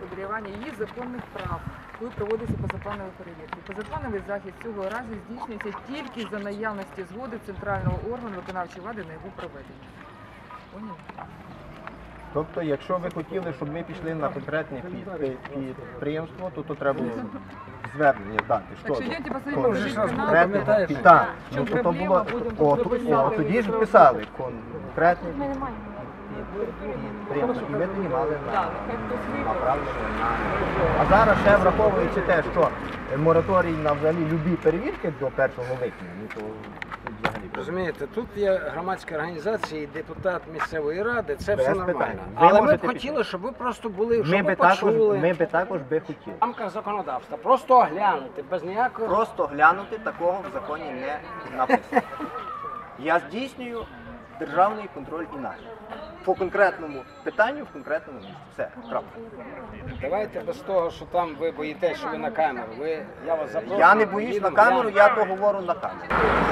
моделювання її законних прав, коли проводиться позапланові перевірки. Позаплановий захід цього разу здійснюється тільки за наявності згоди центрального органу виконавчої влади на його проведення. Поняли? Тобто, якщо ви хотіли, щоб ми пішли на конкретне підприємство, то треба було звернення дати. Так що йдете посмотрите, покажіть канал, Конкретне, в так, чому ну, то проблема, було, будемо тоді ж писали конкретне підприємство, і ми тоді мали направлення на... А зараз ще враховуючи те, що мораторій на взагалі любі перевірки до 1 липня, ну то взагалі... Розумієте, тут є громадська організація і депутат місцевої ради, це Без все питань. нормально. Ви Але ми б можете хотіли, щоб ви просто були, щоб Ми ви би також, почули ми би також би хотіли. в рамках законодавства. Просто оглянути, без ніякого... Просто глянути, такого в законі не написано. Я здійснюю державний контроль і нагляд. По конкретному питанню, в конкретному місці. Все, крапка. Давайте без того, що там ви боїтесь, що ви на камеру. Я вас запрошую. Я не боюсь на їдемо, камеру, глянемо. я то говорю на камеру.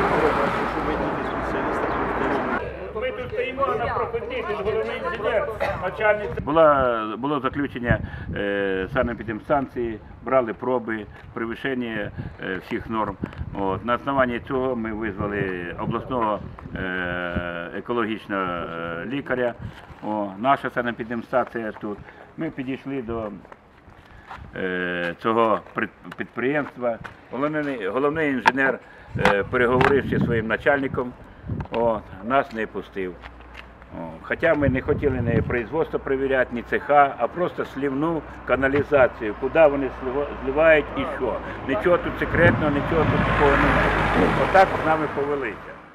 Ми тут стоїмо на професії, тут головний інженер, начальник. Було заключення санепідемстанції, брали проби, перевищення всіх норм. От. На основанні цього ми визвали обласного екологічного лікаря. Наша санепідемстанція тут. Ми підійшли до цього підприємства. Головний інженер, переговоривши зі своїм начальником, нас не пустив. Хоча ми не хотіли ні производство перевіряти, ні цеха, а просто слівну каналізацію, куди вони зливають і що. Нічого тут секретного, нічого тут такого немає. Отак з нами повелися.